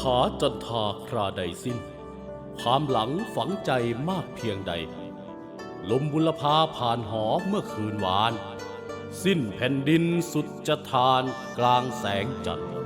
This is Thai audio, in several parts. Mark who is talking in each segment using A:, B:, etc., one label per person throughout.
A: าจันทาคราใดสิ้นความหลังฝังใจมากเพียงใดลมบุรพาผ่านหอเมื่อคืนวานสิ้นแผ่นดินสุดจะทานกลางแสงจันทร์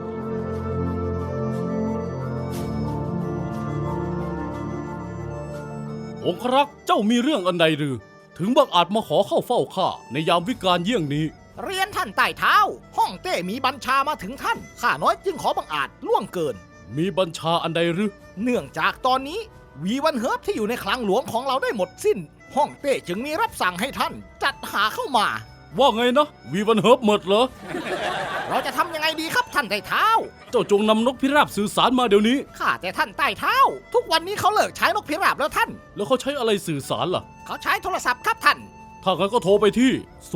A: องครักษ์เจ้ามีเรื่องอันใดหรือถึงบังอาจมาขอเข้าเฝ้าข้าในยามวิกาลเยี่ยงนี้
B: เรียนท่านใต้เท้าห้องเต้มีบัญชามาถึงท่านข้าน้อยจึงขอบังอาจล่วงเกิน
A: มีบัญชาอันใดหรือ
B: เนื่องจากตอนนี้วีวันเฮิร์บที่อยู่ในคลังหลวงของเราได้หมดสิ้นห้องเต้จึงมีรับสั่งให้ท่านจัดหาเข้ามา
A: ว่าไงนะวีวันเฮิร์บหมดเหรอ
B: เราจะทำยังไงดีครับท่านใต้เท้า
A: เจ้าจงนำนกพิราบสื่อสารมาเดี๋ยวนี้
B: ข้าแต่ท่านใต้เท้าทุกวันนี้เขาเลิกใช้นกพิราบแล้วท่าน
A: แล้วเขาใช้อะไรสื่อสารล่ะ
B: เขาใช้โทรศัพท์ครับท่าน
A: ถ้างั้นก็โทรไปที่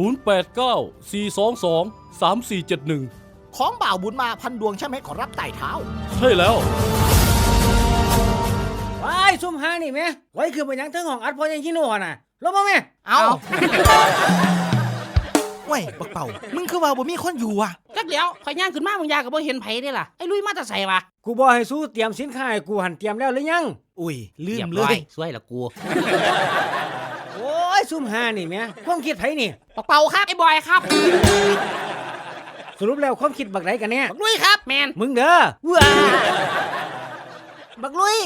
A: 0894223471
B: ของบ่าวบุญมาพันดวงใช่ไหมขอรับใต้เท้า
A: ใช่แล้ว
C: ว้ายซุ่มหานี่แม่ไว้คือเป็นยังเทิงของอัดพอยังชิโน่น่ะลบบ่แม่
B: เอาเว้ยบักเป่ามึงคือว่าบ่มีคนอยู่อ่ะ
D: จักเดี๋ยวข่อยย่างขึ้นมามึงยาก็บ่เห็นไผเด้ล่ะไอ้ลุยมาแต่ไสวะ
C: กูบอกให้สู้เตรียมสินค้าให้กูหันเตรียมแล้วหรือยัง
B: อุ้ยลืมเลย
D: สวยละกู
C: โอ้ยซุ่มหานี่แม่ความคิดไผนี่
D: บักเป่าครับไอ้บอยครับ
C: สรุปแล้วความคิดบักไหนกันเนี่ย
B: บักลุยครับ
D: แมน
C: มึงเด้อว้าบักลุย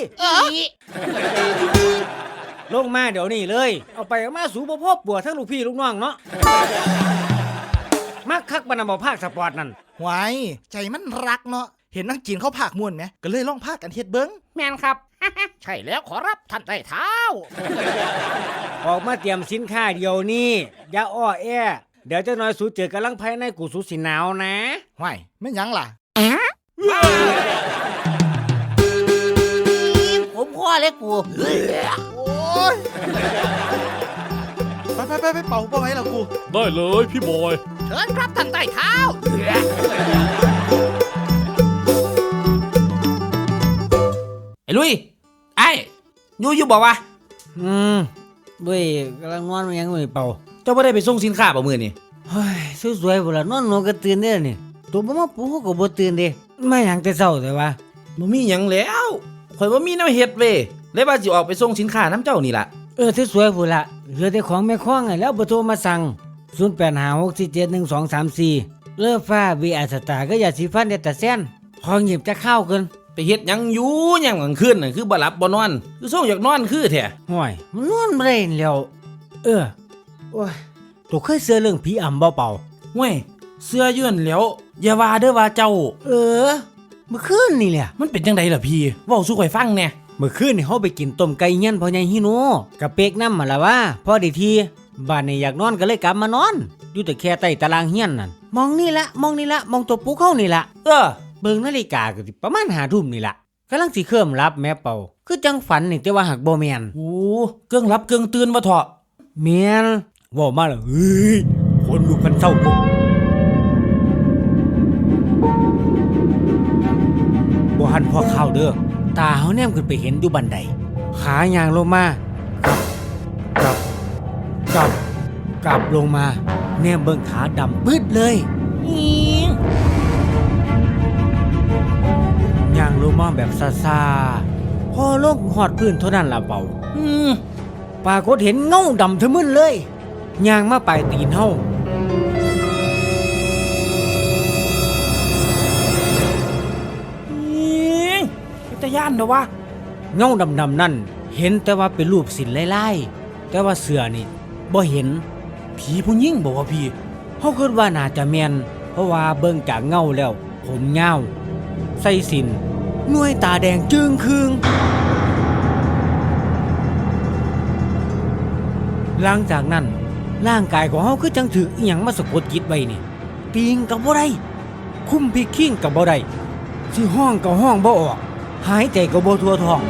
C: ลงมาเดี๋ยวนี้เลยเอาไปเอามาสู่บ่พบปัวทั้งลูกพี่ลูกน้องเนาะมักคักบรรณาบ่ภาคสปอร์ตนั่น
B: หวายใจมันรักเนาะเห็นนักจีนเขาภาคม่วนไหมก็เลยลองภาคกันเฮ็ดเบิ้ง
D: แมนครับ
B: ใช่แล้วขอรับท่านใต้เท้า
C: ออกมาเตรียมสินค้าเดี๋ยวนี้อย่าอ้อแอเดี๋ยวเจ้าน้อยสูเจอกำลังภายในกูสูสิหนาวนะ
B: หวายไม่ยังล่ะ
D: ผมพ่อเล็กกู
B: โอ้ยไปเป่าไว้ล่ะกู
A: ได้เลยพี่บอย
B: เชิญครับท่านใต้เท้า
D: ไอ้ลุยไอ้อยู่บอกว่า
C: เว้ยกำลังนอนยังไม่เป่า
D: เจ้าไม่ได้ไปส่งสินค้าป่ะมื้อนี่
C: เฮ้ยสวยๆบ่ล่ะนอนก็ตื่นได้นี่ตัวบ่มาปลุกก็บ่ตื่นเด้มาหยังแต่เช้าแต่ว่า
D: บ่มีหยังแล้วข่อยบ่มีแนวเฮ็ดเว้ยเลยว่าสิออกไปส่งสินค้านำเจ้านี่ล่ะ
C: สวยๆพุ่นล่ะเหลือแต่ของแม่ค้องไงแล้วบ่โทรมาสั่ง0856471234เลือฟ้า VR สตาร์ก็อย่าสิฟันเด็ดแต่แซนของหยิบจะเข้าเกิน
D: ไปเฮ็ดหยังอยู่หยังกลางคืนน่ะคือบ่หลับบ่นอนคือส่งอยากนอนคือแท้
C: ห่วยมันนอนบ่ได้แล้วโอ้ยตัวเคยเชื่อเรื่องผีอำบ่เป่า
D: ห่วยเชื่อยื่นแล้วอย่าว่าเด้อว่าเจ้า
C: เมื่อคืนนี่แหละ
D: มันเป็นจังไดล่ะพี่เว้าสู่ข่อยฟังแหน่
C: เมื่อคืนนี่เฮาไปกินต้มไก่เฮียนพ่อใหญ่ฮิโนกับเป็กน้ำมาละว่าพอดีทีบ้านนี่อยากนอนก็เลยกลับมานอนอยู่แต่แค่ใต้ตารางเฮียนนั่นมองนี่ละมองตัวปุ๊กเฮานี่ละเบิ่งนาฬิกาก็สิประมาณ5 ทุ่มนี่ละกำลังสิเคลิ้มหลับแม่เป่าคือจังฝันนี่แต่ว่าหักบ่แม่น
D: โอ้เกื้องหลับเกื้องตื่นว่าเถาะ
C: แม่นเว้ามาแล้วเฮ้ยคนลุกกันเศร้าบ่หันพอเข้าเด้อตาเฮาแนมขึ้นไปเห็นอยู่บันไดขาย่างลงมากลับลงมาแนมเบิ่งขาดำปึ๊ดเลยย่างลงมาแบบซาๆพอลงหอดพื้นเท่านั้นล่ะเป่าปรากฏเห็นเงาดำทะมึนเลยย่างมาปลายตีนเฮา
D: ตะย่านเด้อวะ
C: เงาดำๆนั่นเห็นแต่ว่าเป็นรูปสินลายๆแต่ว่าเสือนี่บ่เห็น
D: ผีผู้หญิงบอกว่าพี่
C: เฮาคิดว่าน่าจะแม่นเพราะว่าเบิ่งจากเงาแล้วผมยาวใส่สินหน่วยตาแดงจึงคืงหลังจากนั้นร่างกายของเฮาคือจังถูกอีหยังมาสะกดจิตไว้นี่ตีงก็บ่ได้คุ้มพิกขิ้งก็บ่ได้สิห้องก็ห้องบ่ออกหายใจก็บ่ทั่วท้อง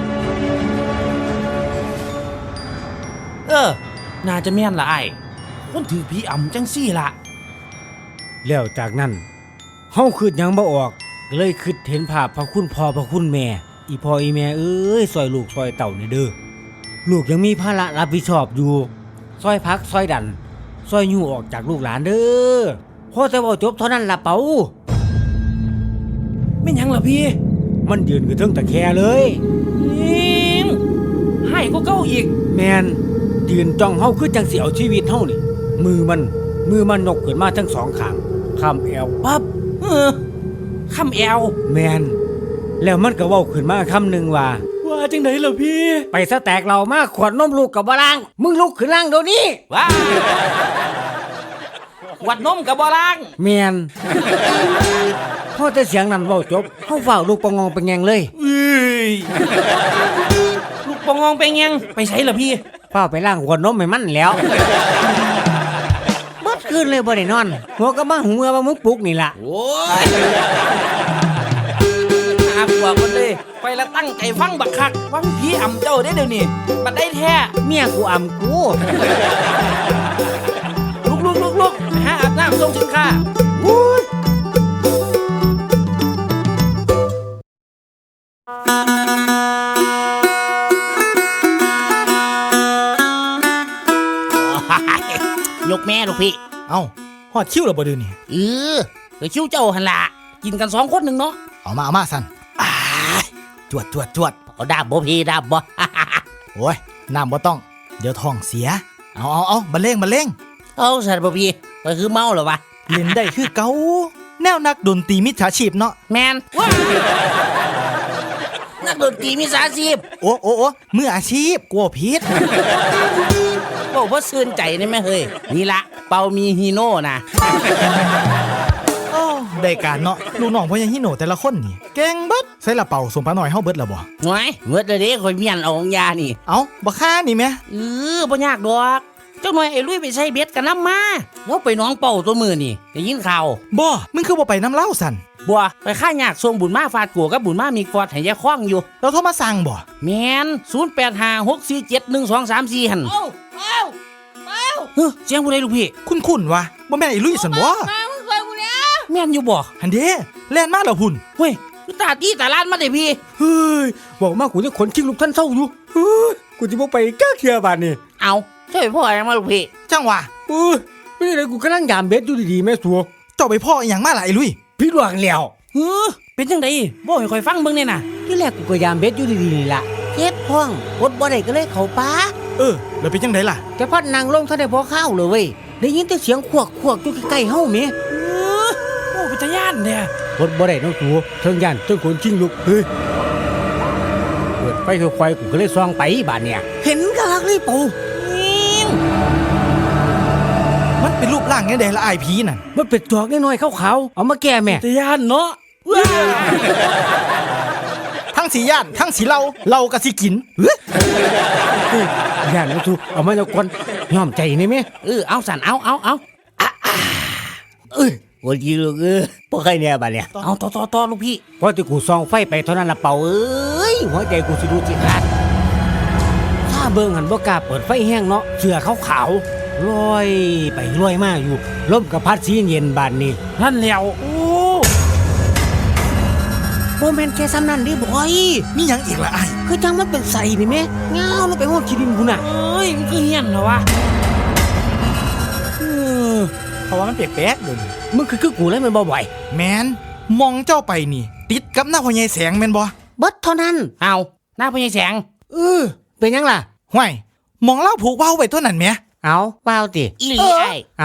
D: น่าจะแม่นละไอ้คนถือผีอำจังซี่ล่ะ
C: แล้วจากนั้นเฮาคิดหยังบ่ออกเลยคิดเห็นภาพพระคุณพ่อพระคุณแม่อีพ่ออีแม่เอ้ยซอยลูกซอยเต้านี่เด้อลูกยังมีภาระรับผิดชอบอยู่ซอยพักซอยดันซอยยู่ออกจากลูกหลานเด้อพอแต่ว่าจบเท่านั้นล่ะเป๋า
D: ไม่หยังล่ะพี่
C: มันยืนคือเทิงตะแคเลย
D: ยิงให้ก็เก้าอีก
C: แมนยืนจ้องเฮาคือจังสิเอาชีวิตเฮานี่มือมันนกขึ้นมาทั้งสองข้างคำแอวปั๊บ
D: คำแอว
C: แมนแล้วมันก็เว้าขึ้นมาคำหนึ่งว่า
D: ว่าจังไดล่ะพี่
C: ไปสแต็กเรามาขวดนมลูกกับบ่ล้างมึงลุกขึ้นล้างเดี๋ยวนี้
D: ว้าวัดนมกับบ่ล้าง
C: แมนพอแต่เสียงนั้นเว้าจบเฮาเฝ้าลูกปะงองไปแงงเลย
D: เอ้ยลูกปองงไปยังไปใช้ล่ะพี่
C: เฝ้าไปล้างขวดนมให้มันแล้วเบิดคืนเลยบ่ได้นอนหัวก็มาหูเมื่อว่ามึงปลุกนี่ล่ะ
D: โอ้ยน่ากลัวคนเลยไปละตั้งใจฟังบักคักวังผีอ่ำเจ้าได้เดี๋ยวนี้บัดได้แท้
C: เมียกูอำกู
D: ลุกไปหาอาบน้ำส่งสินค้า
E: ยกแม่ลูกพี่
B: เอ้าฮอดคิวแล้วบ่เดือนี่
E: ไปคิ้วเจ้าหันละ
D: กินกัน2 คนหนึ่งเนาะ
B: เอามาสั่นจวด
E: เอาดาบบ่พี่ดาบบ่
B: โอ้ยน้ำบ่ต้อง เดี๋ยวท้องเสีย เอาบันเลง
E: เอาสัตว์บ่พี่ไปคือเมาเหรอวะ
B: เล่นได้คือเก่าแนวนักดนตรีมิจฉาชีพเนาะ
E: แมนว้านักดนตรีมีสาชีพ
B: โอ้มืออาชีพกลัวผิด
E: บอกว่าซื่นใจนี่แม่เฮ้ยนี่ละเปามีฮีโน่นะ
B: โอ้ได้การเนาะลูกน้องพ่อยังฮิโนแต่ละคนนี่เก่งเบิดใส่ละเป่าสมปลาหน่อยเฮาเบิดแล้วบ่
E: หน่วยเมื่อเด้คอยเมียนเอาของยานี่
B: เอาบ่ค่านี่แม่
E: บ่ยากดอกเจ้าหน่อยไอ้ลุยไปใช้เบ็ดกันน้ำมาแล้วไปน้องเป่าตัวมือนี่ได้ยินข่าว
B: บ่มึงคือบ่ไปน้ำเล่าสั่น
E: บัวไปค่ายากส่งบุญมาฟาดกัวกับบุญมามีฟอดให้ยายคล้องอยู่
B: เราโทรมาสั่งบ่
E: แมน0856471234หั่นเสียงผู้ใดลูกพี่
B: คุ้นๆวะบ่แม่นไอ้ลุยสั่นบ่
E: แม่นอยู่บ่
B: หันเด้แล่นมาแล้วหุ่น
E: เฮ้ยตาตีตาลานมาได้พี่
C: เฮ้ยบอกมากูจะขนชิงลูกท่านเศร้าอยู่เฮ้ยกูจะบ่ไปก้าเทียบานนี่
E: เอาช่วยพ่อยังมาลูกพี่
B: จังหวะ
C: เอ้ยไม่ได้เลยกูกำลังยามเบ็ดอยู่ดีๆแม่สัว
B: เจ้าไปพ่ออีหยังมาล่ะไอ้ลุย
C: พี่หลวงแล้ว
E: เป็นจังไดบ่ให้ข่อยฟังเบิ่งแน่น่ะ
C: ที่แรกกูก็ยามเบ็ดอยู่ดีๆนี่ล่ะเจ็บท้องอดบ่ได้ก็เลยเข้าป่า
B: แล้วเป็นจังไดล่ะ
C: แต่พอนั่งลงท่านได้พอข้าวเลยเว้ยได้ยินแต่เสียงขวกอยู่ใกล้ๆเฮาแม่
E: โอ้เป็นตาย่านแท้
C: อดบ่ได้น้องสัวเทิงย่านเทิงขนชิงลูกเฮ้ยเปิดไฟค่อยๆกูก็เลยส่องไปบาดเนี่ยเห็นกะลักเลยปู่
B: มันเป็นรูปร่างจังไดล่ะไอ้ผีนั่น
C: มันเป็นจอกน้อยๆขาวๆเอามาแก้แม่
E: ตาย่านเนาะ
B: ทั้งสีย่านทั้งสีเราก็สิกินเฮ้ย
C: ย่านน้องสัวเอามาจากคนยอมใจนี่แม่
E: เอาสั่นเอาโอ้ยลูกบ่ใครเนี่ยบัดเนี่ยเอาต่อลูกพี่
C: พอที่กูส่องไฟไปเท่านั้นละเป่าเอ้ยหัวใจกูสิดูจิขาดถ้าเบิ่งหันบ่กล้าเปิดไฟแห้งเนาะเสื้อขาวๆลอยไปลอยมาอยู่ลมกับพัดสีเย็นบานนี้
E: นั่นแล้ว
C: บ่แม่นแค่ซ้ำนั้นเดิบ่อย
B: มีหยังอีกล่ะไอ้
C: คือจังมันเป็นใสนี่แม่เงาลงไปฮอดขี้ดินพุ่นน่ะ
E: เอ้ยมันคือเฮี้ยนเหรอวะ
B: เพราะว่ามันแปลกๆเด้อ
C: มึงคือกูเลยมันบ่บ่อย
B: แมนมองเจ้าไปนี่ ติดกับหน้าพ่อใหญ่แสงแม่นบ่
C: เบิดเท่านั้น
E: เอาหน้าพญายแสง
C: เป็นยังล่ะ
B: ห่วยมองเล่าผูกเว้าไว้เท่านั้นแหม
C: เอาเปล่าติ
E: อีหลีไอ้
C: เอา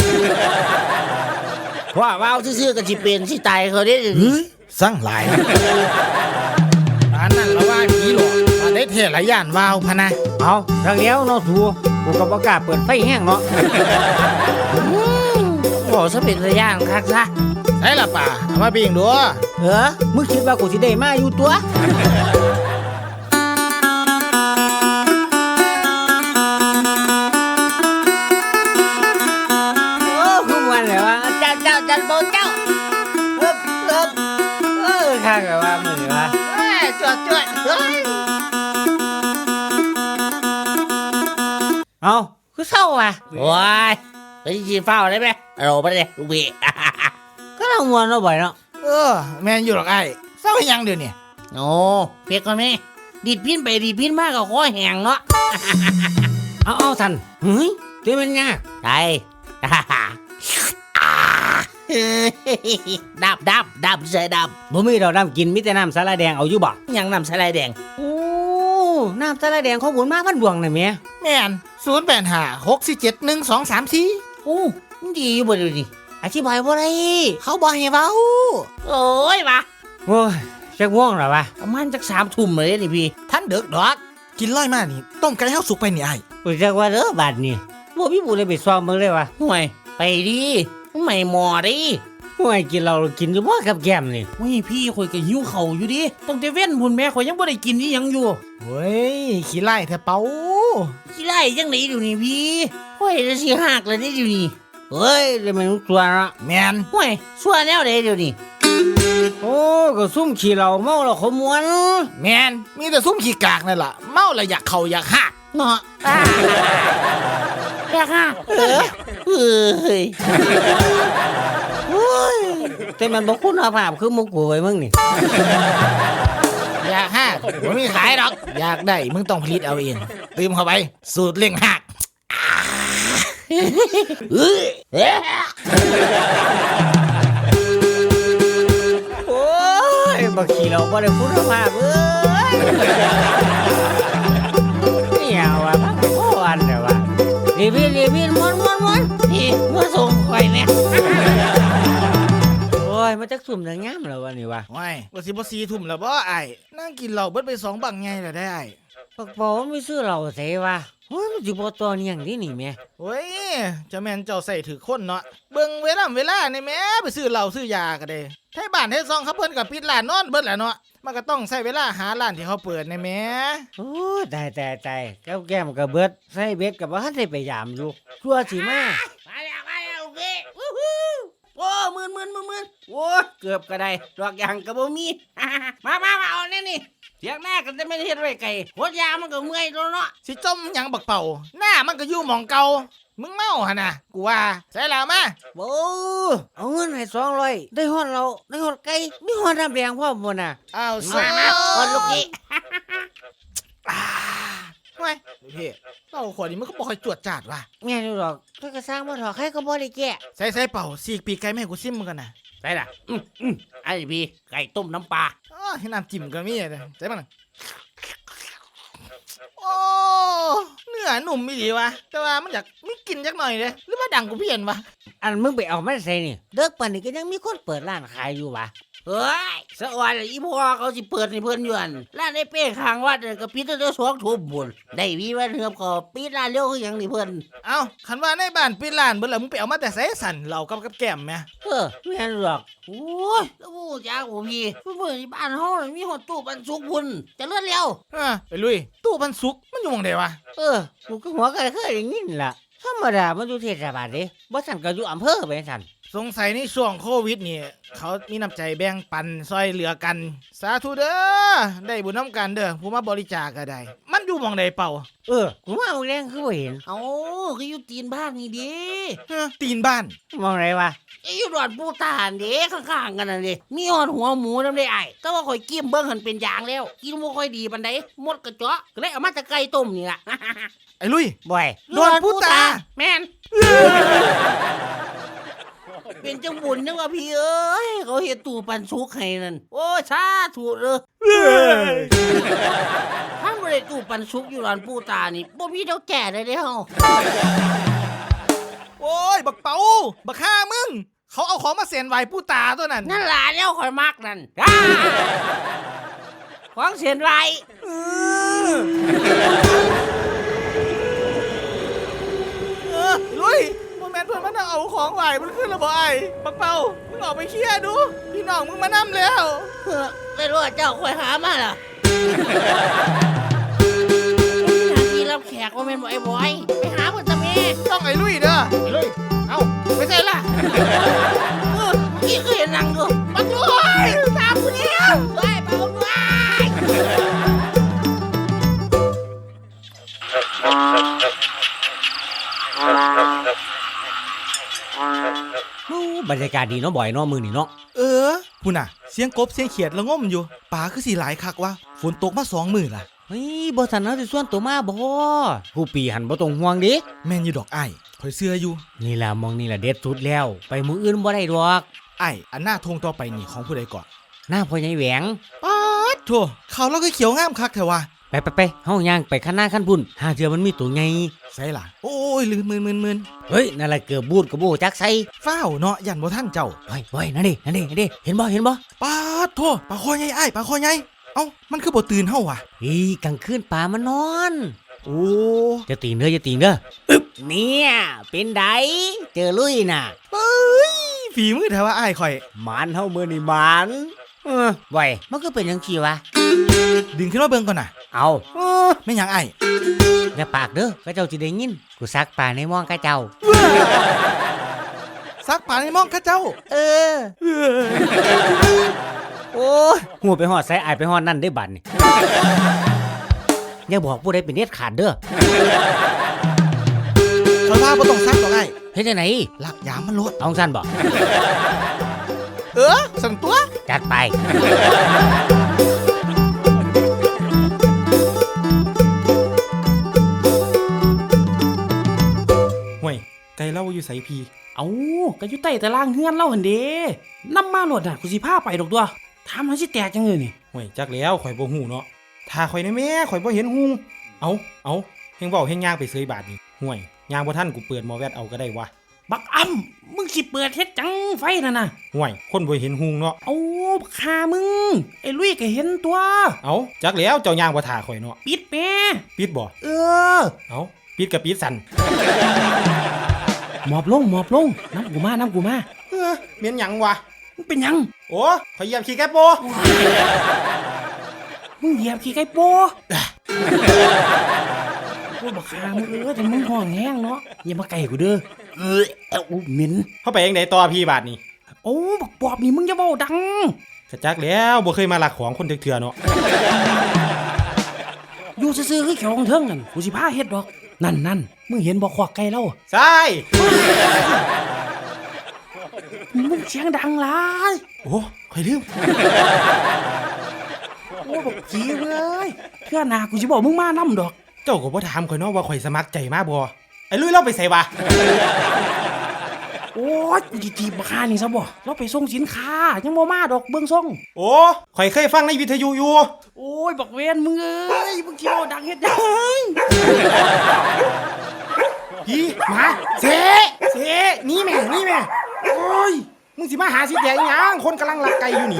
E: ว่าว้าวซื่อๆก็สิเป็นสิตายเขาได้
B: เฮ้ยสั่งหลายอันนั้นละว่าผีหลอกมาได้เทหลายย่านวาวพะนะ
C: เอาทางเดียวเนาะสัวกูก็บ่กล้าเปิดไฟแห้งเนาะ
E: บอกซะเป็นตาย่านคักซะ
B: ใช่ละป่าเอามาปิ้งดู
C: มึงคิดว่ากูสิได้มาอยู่ตัวโอ้คือมันเลยว่าเจ้าจันโบเจ้าข้างกับว่ามือว่าจวดเฮ้ยเอาคือเศร้าว่ะ
E: โอ้ยไปจีเฝ้าได้ไหมเราไปเลยลูกพี่
C: ก็เรามวนเราบ่อยเนาะ
B: แม่นอยู่หรอกไอ้เศร้าให้หยังเดี๋ยวนี้
E: โอ้เพียกก่อนไหมดีดพินไปดีดพินมากก็คอแห้งเนาะ
C: เอาทันเฮ้ยเดี๋ยวมันยาก
E: ได้ดับใส่ดับ
C: บ่มีดอกน้ำกินมีแต่น้ำสาลายแดงเอาอยู่บ่
E: ยังน้ำสลายแดง
C: โอ้น้ำสาลายแดงของบุญมาพันดวงน่ะแม่
B: แม่น0856471234
E: โอ้มันดีอยู่บ่เดูนี่
C: อธิบายบ่ได้
B: เขาบ่ให้เว้า
E: โอ้ยวะ
C: โอ้ยจักง่วงแล้ววะ
E: ประมาณจัก3 ทุ่มเลยนี่พี่
B: ท่านเด็กดอกกินร้อยมานี่ต้มไก่เฮาสุกไปนี่ไอ้
C: รู้จักว่าเด้อบาดนี้บ่มีผู้ใดไปซ้อมเบิ่งเลยวะ
E: ห่วยไปดิไม่หมอดิ
C: ห่วยกินเรากินอยู่บ่กับแก้มนี่
E: โอ้ยพี่ข่อยก็หิวเข่าวอยู่ดิตั้งแต่เว้นพุ่นแม่ข่อยยังบ่ได้กินอีหยังอยู่
B: เฮ้ยขี้ไล่แท้เป้า
E: สิไล่จังได๋เดี๋ยวนี้พี่ข่อยจะสิหักแล้วนี่เดี๋ยวนี้
C: เฮ้ยเลยมันตัวเนาะ
B: แม่น
E: ห่วยชั่วแนวใดเดี๋ยวนี้
C: โอ้ก็ซุ่มขี้เราเมาแล้วขมวน
B: แม่นมีแต่ซุ่มขี้กากนั่นล่ะเมาแล้วอยากเข้าอยากหักเนาะ
E: แรกฮะเฮ้ย
C: โอ้ยแต่มันบ่คุณภาพคือหมุกกูไว้มึงนี่
B: อยากหักบ่มีขายดอกอยากได้มึงต้องผลิตเอาเองตืมเข้าไปสูตรเล่งหัก
C: โอ้ยบักขี้เราบ่ได้คุณภาพเอ้ยเนี่ยว่าพักพ่ออันเด้อว่ารีบม้วน
E: พี่มาส่งข่อยแม่
C: โอ้ยมาจักสุ่มได้งามแล้ววันนี้ว่า
B: ว้ายว่าสิบ่4 ทุ่มแล้วบ่ไอ้นั่งกินเหล้าเบิดไป2 บังไงแล้วได้ไอ้
C: ปักเปาไม่ซื้อเราเสว่าโอ้ยมันสิบ่ตัวเนียงดินี่แม่
B: โอ้ยเจะแม่นเจ้าใส่ถือคนเนาะเบิ่งเวลานี่แหม่ไปซื้อเหล้าซื้อยาก็ได้ไทบ้านไทซองเขาเพิ่นก็ปิดร้านนอนเบิดแหละเนาะมันก็ต้องใช้เวลาหาร้านที่เขาเปิดนี่แหม่
C: โอ้ยตายแก้มก็เบิดใส่เบ็ดก็บ่ทันได้ไปยามอยู่ชั่วสิมา
E: มาแล้วพี่โอ้มื่นโอ้เกือบก็ได้ดอกยางก็บ่มี มาเอาแน่นี่เถียงหน้ากันแต่ไม่เฮ็ดไว้ไกลโคตรยามันก็เมื่อยแล้วเนาะ
B: สิจมหยังบักเป่าหน้ามันก็อยู่หม่องเก่ามึงเมาหั่นน่ะกูว่าใส่แล้วมา
C: โอ้เอาเงินให้200ได้ฮอดเราได้ฮอดไก่มีฮอดน้ำแดงพร้อมบ่น่ะ
B: อ้าว
E: มาคนลูกนี้
B: ทำไมพี่เหล้าขวดนี้มันก็บ่ค่อยจวดจาดว่ะ
C: แม่นอยู่ดอกถ้าก็สร้างบ่ถอใครก็บ่ได้แก้
B: ใส่เป่าสีกปีกไก่แม่ให้กูซิมมึงกันน่ะ
E: ใส่ล่ะไอ้พี่ไก่ต้มน้ำปลา
B: อ๋อให้น้ำจิ้มก็มีเลยใส่มันน่ะโอ้เนื้อหนุ่มอีหลีวะแต่ว่ามันอยากมีกลิ่นจักหน่อยเลยหรือว่าดังกูเพี้ยนวะ
C: อันมึงไปเอามาใส่นี่เด็กปานนี้ก็ยังมีคนเปิดร้านขายอยู่วะ
E: เฮ้ยสะออนอีพ่อเขาสิเปิดให้เพิ่นอยู่อั่นร้านไอ้เป้ข้างวัดก็ปิดตั้งแต่2 ทุ่มพุ่นได้วีวันเฮือบก็ปิดร้านเร็วคือหยังนี่เพิ่น
B: เอ้าคันว่าในบ้านปิดร้านเบิ่แล้วมึงไปเอามาแต่ไสสั่นเหล้ากับแก้มแม่
C: แม่นอยู่ดอก
E: โอ้ยแล้วบ่รู้จักบ่พี่เพิ่นที่บ้านเฮาน่ะมีฮอดตู้ปันสุกพุ่นเจะเลื่อนเร็ว
B: ไปลุยตู้ปันสุกมันอยู่หม่องใดวะ
C: กูก็หัวก็เคยได้ยินล่ะธรรมดามันอยู่เทศบาลเด้บ่ซั่นก็อยู่อำเภอไปซั่น
B: สงสัยในช่วงโควิดนี่เขามีน้ำใจแบ่งปันซอยเหลือกัน สาธุเด้อได้บุญน้ำกันเด้อผู้มาบริจาคก็ได้ มันอยู่หม่องใดเป่า
C: กูมาเอาแรงคือบ่เห็น
E: เอ้าคืออยู่ตีนบ้านนี่เด้
B: ตีนบ้าน
C: มองไรวะ
E: อยู่ดอนปูตานเด้ข้างๆกันนั่นเด้มีฮอดหัวหมูนำได้อ้ายแต่ว่าข่อยกิ้มเบิ่งหันเป็นอย่างแล้วกินบ่ค่อยดีปานใดหมดกระเจาะก็เลยเอามาแต่ไก่ต้มนี่ล่ะ
B: ไอ้ลุย
C: บ่อย
B: ดอนปูตา
E: แม่นเป็นจังบุญนึกว่าพี่เอ้ยเขาเฮ็ดตู้ปันสุกให้นั่นโอ้ยสาธุเด้อถ้าบ่ได้ตู้ปันสุกอยู่ร้านปูตานี่บ่มีเท่าแก่เลยเด้เฮา
B: โอ้ยบักเป่าบักฆ่ามึงเขาเอาของมาเสียนไหวผู้ตาตัวนั้น
E: นั่นล่ะแล้วข่อยมักนั่นของเสียนไร
B: ลุยโมเมนต์เพื่อนมันเอาของไหวมันขึ้นแล้วบ่ไอ้บักเป่ามึงออกไปเคลียร์ดูพี่น้องมึงมานั่มแล้ว
E: ไม่รู้ว่าเจ้าข่อยหามาล่ะหน้าที่รับแขกว่าแม่นบ่ไอ้บอยไปหาเพิ่นตะแม่
B: ต้องไอ้ลุยเด้อไอ้ลุยเอาไปเสร็จละ
E: พี่เคยนั่งดูบักรวยตามกูแล้วไปเบาด้วย
C: บรรยากาศดีเนาะบ่อยเนาะมื้อนี้เนาะ
B: พูน่ะเสียงกบเสียงเขียดละง่มอยู่ป่าคือสีหลายคักวะฝนตกมา2 มื้อล่ะ
C: เฮ้ยบ่ทันเฮาสิส่วนตัวมาบ่ผู้ปีหันบ่ต้องห่วงเด้
B: แม่นอยู่ดอกไอ้ข่อยเชื่ออยู่
C: นี่ล่ะมองนี่ล่ะเด็ดสุดแล้ว ไปมืออื่นบ่ได้ดอก
B: ไอ้อันหน้าทงต่อไปนี่ของผู้ใดก่อน
C: หน้าพ่อใหญ่แหวง
B: ป๊าดโถเขาเราก็เขียวงามคักเถอะวะ
C: ไปเฮาย่างไปข้างหน้าขั้นพุ่นหาเจอมันมีตัวไง
B: ใส่ล่ะโอ้ยลืมมืน
C: เฮ้ยนั่นล่ะเกือบบูดกับโบจักใส่
B: ฟ้าวเนาะยันบ่ท่านเจ้า
C: ไว้นั่นดิเห็นบ่
B: ป๊าดโถปลาคอใหญ่ไอ้ปลาคอใหญ่เอ้ามันคือบ่ตื่นเฮาวะ
C: กลางคืนป่ามันนอน
B: โอ้
C: จะตีนเด้ออึ๊บเนี่ยเป็นไดเจอลุยน่ะ
B: เอ้ยฝีมือเถอะว่าไอ้ข่อย
C: หมานเฮามื้อนี่หมานไว้มันก็เป็นจังซี่วะ
B: ดึงขึ้นมาเบิ่งก่อนน่ะ
C: เอา
B: แม่นหยังไอ้
C: อย่าปากเด้อก็เจ้าสิได้ยินกูซักป่าในม่องกะเจ้า
B: ซักป่าในมองข้าเจ้า
C: โอ้ยหัวไปหอดใส่อายไปหอดนั่นได้บัดนี่อย่าบอกผู้ใดเป็นเน็ตขาดเด้อ
B: ข่อยว่าบ่ต้องซักดอกไอ้
C: เฮ็ดจังได๋
B: ลักยามมันโลด
C: เอาซั่นบ่
B: สั่นตัว
C: จัดไป
F: ห่วยไก่เล่าอยู่ไสพี
D: เอาก็อยู่ใต้ตารางเฮือนเล่าหั่นเด้นำมาโลดน่ะกูสิพาไปดอกตัวถามหาสิแตกจังเลยนี่
F: ห่วยจักแล้วข่อยบ่ฮู้เนาะถ้าข่อยในแม่ข่อยบ่เห็นหุงเอาเฮงเว้าเฮงย่างไปเสยบาทนี่ห่วยย่างบ่ทันกูเปิดหมอแวดเอาก็ได้วะ
D: บักอ้ำมึงสิเปิดเฮ็ดจังไฟนั่นน่ะ
F: ห่วยคนบ่เห็นหุงเนาะ
D: เอาบักหามึงไอ้ลุยก็เห็นตัว
F: เอาจักแล้วเจ้าย่างบ่ท่าข่อยเนาะ
D: ปิดแม่
F: ปิดบ่
D: เออ
F: เอาปิดกับปิดสั่น
D: หมอบลงน้ำกูมา
F: เมียนหยังวะ
D: มึงเป็นหยัง
F: โอ้ข่อยเหยียบขี้แกโป
D: มึงเหยียบขี้ไก่โปโอ้บักหามึงแต่มึงห้องแห้งเนาะอย่ามาไก่กูเด้อเหม็น
F: เฮาไปจังไดต่อพี่บาทนี่
D: โอ้บักปอบนี่มึงอย่าเว้าดัง
F: ก็จักแล้วบ่เคยมาลักของคนเถื่อๆเนาะ
D: อยู่ซื่อๆคือเขียวของเทิงนั่นกูสิพาเฮ็ดดอกนั่นมึงเห็นบ่ขวากไก่แล้ว
F: ใช่
D: มึงเสียงดังหลาย
F: โอ้ข่อยลืม
D: โอ้บักผีเว้ยเพื่อหน้ากูสิบอกมึงมานำดอก
F: เจ้าก็บ่ถามข่อยเนาะว่าข่อยสมัครใจมาบ่ไอ้ลุยเราไปไสวะ
D: โอ้ยกูสิจีบบักหานี่ซะบ่เราไปส่งสินค้ายังบ่มาดอกเบิ่งส่ง
F: โอ้ข่อยเคยฟังในวิทยุอยู่
D: โอ้ยบักเวนมึงเอ้ยมึงสิเว้าดังเฮ็ดหยัง
F: พี่หมาเสนี่แม่โอ้ยมึงสิมาหาสิแดงหยังคนกำลังลักไก่อยู่นี่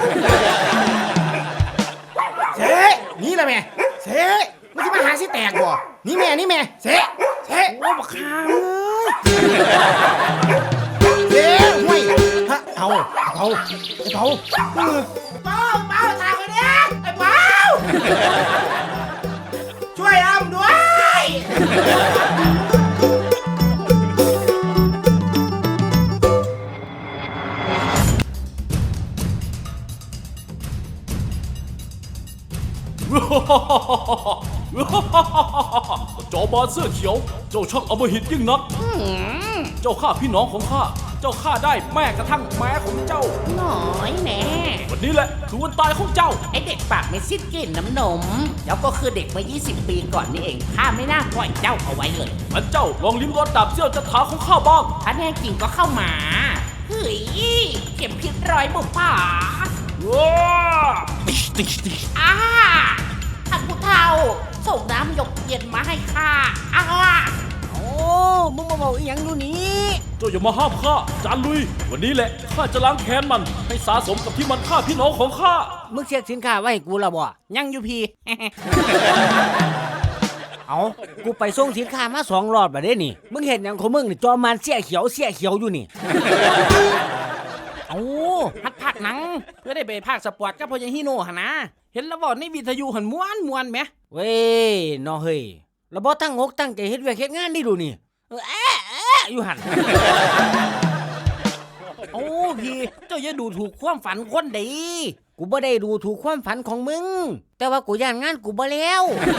F: เสนี่แหละแม่เสมึงสิมาหาสิแตกบ่นี่แม่เส
D: โอ้บักหาเอ้ย
F: เสห่วยฮะเอาไอ้เผาเปาตายคนนี้ไอ้เปาช่วยอ้ำด้วย
A: จอมารเสื้อเขียว เจ้าช่างอำมหิตยิ่งนัก เจ้าฆ่าพี่น้องของข้า เจ้าฆ่าได้แม้กระทั่งแม่ของเจ้า
E: หน่อยแน่
A: วันนี้แหละคือวันตายของเจ้า
E: ไอเด็กปากไม่สิ้นกลิ่นน้ำนมเจ้าก็คือเด็กมา 20 ปีก่อนนี่เองข้าไม่น่าปล่อยเจ้าเอาไว้เลย
A: งั้นเจ้าลองลิ้มรสดาบเสี้ยวจัฐาของข้าบ้าง
E: ถ้าแน่จริงก็เข้ามาเฮ้ยเข็มพิษร้อยบุปผา
A: ว้า
E: อ้าท่านผู้เฒ่าส่งน้ำหยกเย็นมาให้ข้าอ้า
C: โอ้มึงมาบอกอีหยังดูนี่
A: เจ้าอย่ามาห้ามข้า จานลุย วันนี้แหละข้าจะล้างแค้นมัน ให้สาสมกับที่มันฆ่าพี่น้องของข้า
C: มึงเช็คสินค้าไว้ให้กูและบ่
E: ยังอยู่พี่
C: เอากูไปส่งสินค้ามา2 รอบแล้วเด้นี่มึงเห็นหยังของมึงนี่จอมันเสียเขียวอยู่นี่
D: เอาฮัดภาคหนังเพื่อได้ไปภาคสปอร์ตกับพ่อใหญ่ฮิโน่หั่นนะเห็นแล้วบ่ในวิทยุหันม่วนแหม
C: เว้ยน้อเฮ้ยแล้วบ่ตั้งอกตั้งใจเฮ็ดเวียกเฮ็ดงานนี่ดูนี่อยู่หั่น
D: โอ้พี่เจ้าอย่าดูถูกความฝันคนเดี
C: กูบ่ได้ดูถูกความฝันของมึง แต่ว่ากูย่านงานกูบ่แล้ว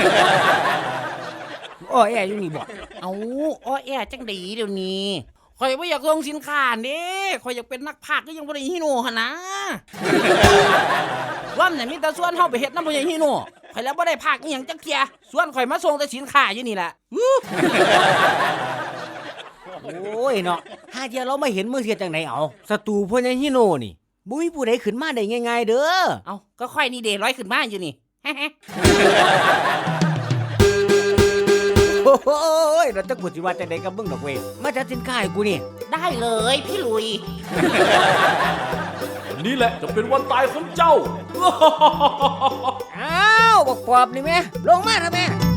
C: โอ้ยอยู่นี่บ่
E: เอาอ้อแอจังดีเดี๋ยวนี้
D: ข่อยบ่อยากลงสินค้าเด้ข่อยอยากเป็นนักพากย์ก็ยังบ่ได้ฮิโน่หั่นนะว่ามันมีแต่ส่วนเฮาไปเฮ็ดนำพ่อใหญ่ฮิโน่ข่อยแล้วบ่ได้พากย์อีหยังจักเที่ยส่วนข่อยมาส่งแต่สินค้าอยู่นี่ล่ะ
C: โอ้ยเนาะหาเทียเราไม่เห็นมือเทียจังไหนเอาศัตรูพ่อใหญ่ฮิโน่นี่บุ้ยผู้ใดขึ้นมาได้ง่ายๆเด้อ
E: เอาก็ค่อยนี่เดร้อยขึ้นมาอยู่นี่
C: โอ้ยเราจะกูสิว่าจังไดกับมึงดอกเว้ยมาจัดสินค้าให้กูนี่
E: ได้เลยพี่ลุย
A: วันนี้แหละจะเป็นวันตายของเจ้า
C: อ้าวบอกปอบนี่แม่ลงมาเถอะแม่